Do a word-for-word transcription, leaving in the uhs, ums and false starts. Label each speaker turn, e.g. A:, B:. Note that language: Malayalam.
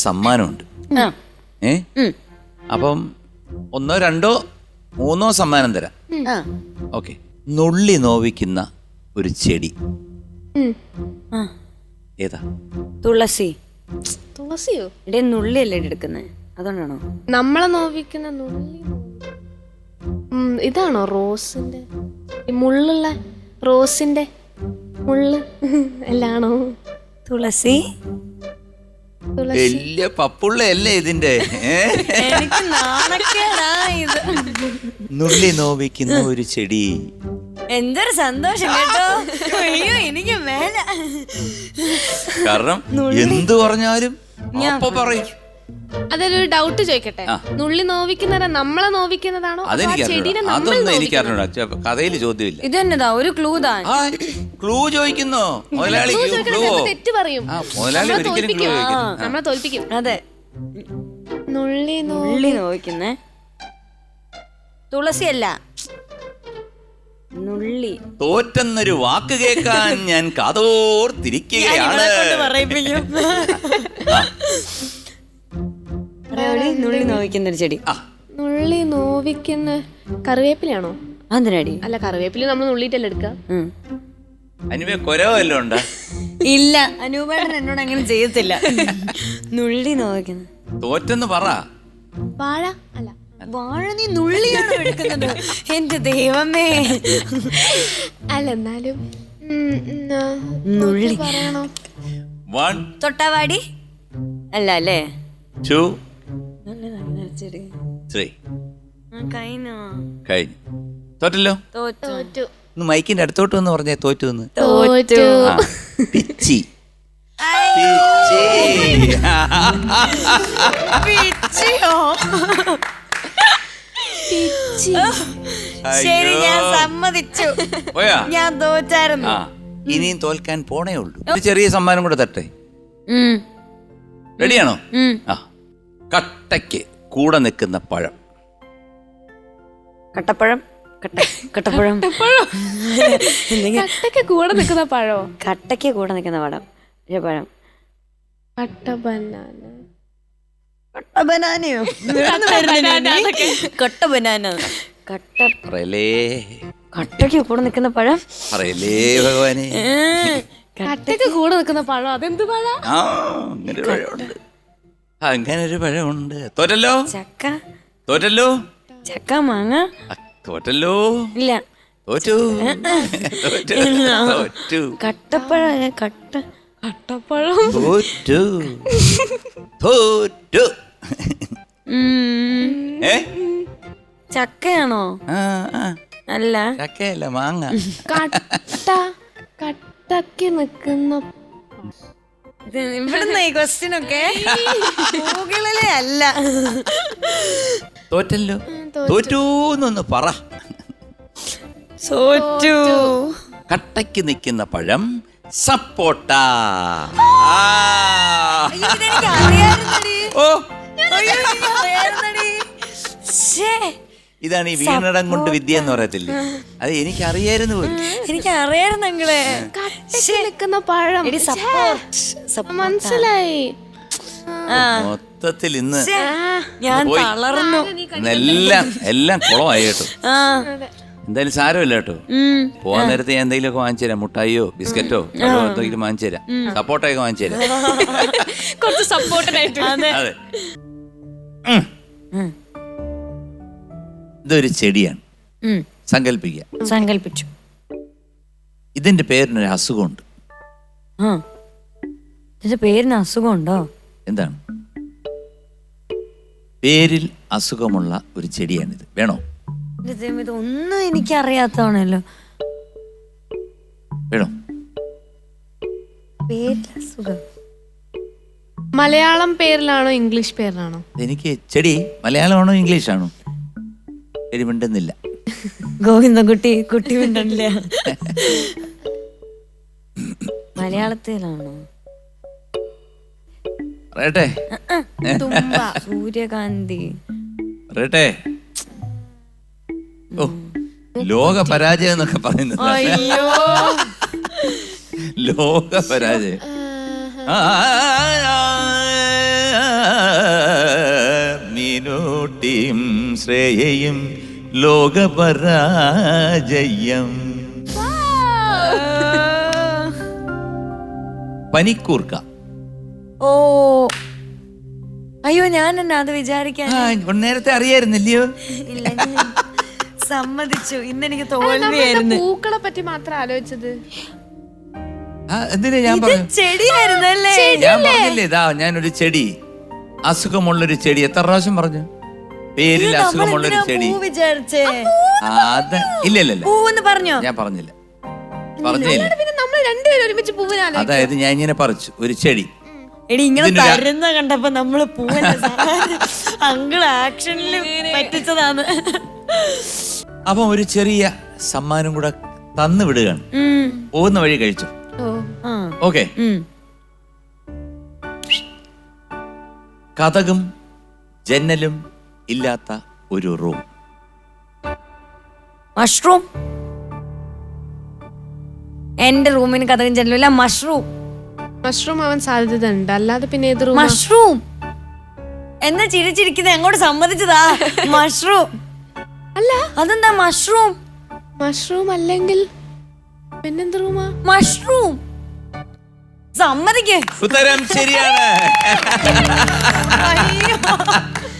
A: സമ്മാനമുണ്ട്. ഏ അപ്പം ഒന്നോ രണ്ടോ മൂന്നോ സമ്മാനം തരാം. ഓക്കെ. നുള്ളി നോവിക്കുന്ന ഒരു ചെടി ഏതാ?
B: തുളസി.
C: തുളസിയോ?
B: ഇവിടെ നുള്ളിയല്ലേ എടുക്കുന്നത്, അതുകൊണ്ടാണോ?
C: നമ്മളെ നോവിക്കുന്ന നുള്ളി. ഇതാണോ റോസിന്റെ മുള്ളുള്ള റോസിന്റെ മുള്ള് എല്ലാണോ?
B: തുളസി.
A: വലിയ പപ്പുള്ളയല്ലേ ഇതിന്റെ?
B: എനിക്ക് നാണക്കേടാ ഇത്.
A: നുള്ളി നോവിക്കുന്ന ഒരു ചെടി.
B: എന്തൊരു സന്തോഷം കേട്ടോ. അയ്യോ എനിക്ക് മേല.
A: കാരണം എന്തു പറഞ്ഞാലും അപ്പൊ പറയും.
C: അതിലൊരു ഡൗട്ട് ചോദിക്കട്ടെ, നുള്ളി നോവിക്കുന്നതാ നമ്മളെ നോവിക്കുന്നതാണോ
A: അതൊന്നും എനിക്കറിഞ്ഞൂടാ. കഥയിൽ ചോദ്യമില്ല.
B: ഇത് തന്നെതാ ഒരു ക്ലൂ താ.
A: ക്ലൂ ചോദിക്കുന്നോ മുതലാളി?
C: തെറ്റ് പറയും.
A: മുതലാളി ഒരിക്കലും ക്ലൂ ചോദിക്കുന്നു.
C: നമ്മളെ തോൽപ്പിക്കും.
B: അതെ.
C: നുള്ളി
B: നുള്ളി നോവിക്കുന്നേ തുളസിയല്ല, നുള്ളി.
A: തോറ്റെന്നൊരു വാക്ക് കേൾക്കാൻ ഞാൻ കാതോർത്തിരിക്കുകയാണ്.
B: നുള്ളി നോവിക്കുന്ന ഒരു ചെടി.
C: നുള്ളി നോവിക്കുന്ന കറിവേപ്പിലാണോ?
B: അതിനടി
C: അല്ല, കറിവേപ്പില നമ്മൾ നുള്ളിട്ടല്ലേ എടുക്ക.
A: അനുവേ കൊരവല്ലോ ഉണ്ടോ?
B: ഇല്ല, അനൂപേട്ടൻ എന്നോട് അങ്ങനെ ചെയ്യത്തില്ല. നുള്ളി നോവിക്കുന്ന
A: തോറ്റെന്ന് പറ.
C: വാഴ അല്ല,
B: വാഴ നീ നുള്ളിയാണോ എടുക്കുന്നത്? എന്റെ ദൈവമേ.
C: അല്ല എന്നാലും
B: നുള്ളി
C: പറയണോ?
A: വൺ
B: തൊട്ടാവാടി അല്ല അല്ലേ?
A: ടു
B: ചെടി
A: ത്രീ.
B: കഴിഞ്ഞോ?
A: കഴിഞ്ഞു. തോറ്റല്ലോ.
C: തോറ്റു.
A: ഒന്ന് മൈക്കിന്റെ അടുത്തോട്ട് വന്ന് പറഞ്ഞേ തോറ്റു എന്ന്.
C: തോറ്റു.
A: പിച്ചി.
B: ശരി, ഞാൻ സമ്മതിച്ചു. ഞാൻ തോറ്റായിരുന്നു.
A: ഇനിയും തോൽക്കാൻ പോണേ ഉള്ളൂ. ഒരു ചെറിയ സമ്മാനം കൂടെ തട്ടെ. റെഡിയാണോ? ആ. കട്ടയ്ക്ക് കൂടെ നിൽക്കുന്ന പഴം.
B: കട്ടപ്പഴം. കട്ടപ്പഴം.
C: കട്ടയ്ക്ക് കൂടെ നിൽക്കുന്ന പഴോ?
B: കട്ടയ്ക്ക് കൂടെ നിൽക്കുന്ന പഴം. പഴം.
C: കട്ട ബനാന.
B: കട്ട ബനാനയോ? കട്ട ബനാന. കട്ട കട്ടയ്ക്ക് കൂടെ നിൽക്കുന്ന പഴം.
A: പറയലേ ഭഗവാനെ.
C: കട്ടയ്ക്ക് കൂടെ നിൽക്കുന്ന പഴം. അതെന്ത് പഴം?
A: ആ, അങ്ങനെ ഒരു പഴമുണ്ട്. അങ്ങനെ ഒരു പഴമുണ്ട്. തോറ്റല്ലോ.
B: ചക്ക.
A: തോറ്റല്ലോ.
B: ചക്ക, മാങ്ങ.
A: തോറ്റല്ലോ.
B: ഇല്ല,
A: തോറ്റു. തോറ്റു.
B: കട്ടപ്പഴം. കട്ട കട്ടപ്പഴം.
A: തോറ്റു. തോറ്റു. ഏ
B: ചക്കയാണോ? അല്ല,
A: ചക്കയല്ല, മാങ്ങ.
C: കട്ട കട്ടയ്ക്ക് നിൽക്കുന്ന.
B: ഇവിടുന്ന് ഈ ക്വസ്റ്റ്യൻ ഒക്കെ ഗൂഗിളിലെ അല്ല.
A: തോറ്റല്ലോ. തോറ്റൂന്നൊന്ന് പറ.
B: തോറ്റു.
A: കട്ടയ്ക്ക് നിൽക്കുന്ന പഴം സപ്പോട്ട. ഓ, ഇതാണ് ഈ വീണടം കൊണ്ട് വിദ്യ എന്ന് പറയത്തില്ലേ? അത് എനിക്ക് അറിയായിരുന്നു പോലും.
B: എനിക്ക് അറിയായിരുന്നു നിങ്ങളെ.
C: നിൽക്കുന്ന പഴം. മനസ്സിലായി.
A: മൊത്തത്തിൽ ഇന്ന്
B: ഞാൻ തളർന്നു.
A: എല്ലാം എല്ലാം കുളമായി കേട്ടോ. എന്തായാലും സാരമില്ല കേട്ടോ. പോവാൻ നേരത്തെ ഞാൻ എന്തെങ്കിലും ഒക്കെ വാങ്ങിച്ചു തരാം. മുട്ടായിയോ ബിസ്ക്കറ്റോ എന്തെങ്കിലും വാങ്ങിച്ചു തരാം. സപ്പോർട്ടൊക്കെ വാങ്ങിച്ചു തരാം.
C: കുറച്ച് സപ്പോർട്ടിനായിട്ട്.
A: അതെ. ഇതൊരു ചെടിയാണ്. സങ്കല്പിക്കുക.
B: സങ്കല്പിച്ചു.
A: ഇതിന്റെ പേരിനൊരു അസുഖമുണ്ട്.
B: ഇതിന്റെ പേരിന് അസുഖമുണ്ടോ?
A: എന്താണ്? പേരിൽ അസുഖമുള്ള ഒരു ചെടിയാണിത്. വേണോ?
B: ഇതൊന്നും എനിക്കറിയാത്തതാണല്ലോ.
A: വേണോ?
B: പേരിൽ അസുഖം.
C: മലയാളം പേരിലാണോ ഇംഗ്ലീഷ് പേരിലാണോ?
A: എനിക്ക് ചെടി മലയാളമാണോ ഇംഗ്ലീഷാണോ? ചെടി മിണ്ടുന്നില്ല.
B: ഗോവിന്ദൻകുട്ടി കുട്ടി മിണ്ടല്ല. മലയാളത്തിലാണോ?
A: പറയട്ടെ.
B: തുമ്പ. സൂര്യകാന്തി.
A: പറയട്ടെ. ഓ, ലോക പരാജയം എന്നൊക്കെ പറയുന്നത്. ലോക പരാജയം. ശ്രേയയും ലോകപരാജയം. പനിക്കൂർക്ക.
B: ഓ അയ്യോ ഞാൻ എന്നാ അത് വിചാരിക്കാൻ
A: ആ, നേരത്തെ അറിയായിരുന്നില്ലയോ?
B: ഇല്ല ഞാൻ സമ്മതിച്ചു. ഇന്നെനിക്ക് തോൽവിയായിരുന്നു.
C: പൂക്കളെ പറ്റി മാത്രം ആലോചിച്ചത്.
A: ആ, എന്തിനാ ഞാൻ പറഞ്ഞു?
B: ചെടിയായിരുന്നല്ലേ?
A: ഞാൻ പറഞ്ഞില്ലേ ഇതാ ഞാനൊരു ചെടി, അസുഖമുള്ളൊരു ചെടി. എത്ര പ്രാവശ്യം പറഞ്ഞു പേരിൽ അസുഖമുള്ളൊരു ചെടി?
B: വിചാരിച്ചേ
A: ആ, അത് ഇല്ല ഇല്ല ഇല്ല
B: പൂവെന്ന് പറഞ്ഞോ?
A: ഞാൻ പറഞ്ഞില്ല, പറഞ്ഞില്ല.
C: പിന്നെ നമ്മൾ രണ്ടുപേരും ഒരുമിച്ച് പൂവിനാലോ.
A: അതായത് ഞാൻ ഇങ്ങനെ പറിച്ചു ഒരു ചെടി.
B: എടി ഇങ്ങനെ
A: ഇതിനൊരു-
B: തരുന്ന കണ്ടപ്പോ നമ്മള് പൂവല്ല അങ്കിള് ആക്ഷനിൽ പറ്റിച്ചതാണ്.
A: അപ്പൊ ഒരു ചെറിയ സമ്മാനം കൂടെ തന്നു വിടുകയാണ്. പോകുന്ന വഴി കഴിച്ചു. ഓക്കെ. കതകും ജന്നലും ഇല്ലാത്ത ഒരു റൂം.
B: മഷ്റൂം. എന്റെ റൂമിന് കഥകം ചെല്ലില്ല. മഷ്റൂം.
C: മഷ്റൂം ആവാൻ സാധ്യത ഉണ്ട്. അല്ലാതെ പിന്നെ ഏത് റൂം?
B: മഷ്റൂം എന്നാ ചിരിച്ചിരിക്കുന്നത് എങ്ങോട്ട് സമ്മതിച്ചതാ? മഷ്റൂം
C: അല്ല.
B: അതെന്താ മഷ്റൂം?
C: മഷ്റൂം അല്ലെങ്കിൽ പിന്നെന്ത് റൂമാ?
B: മഷ്റൂം. സമ്മതിക്കേ.
A: ഉത്തരം ശരിയാണ്.
B: അയ്യോ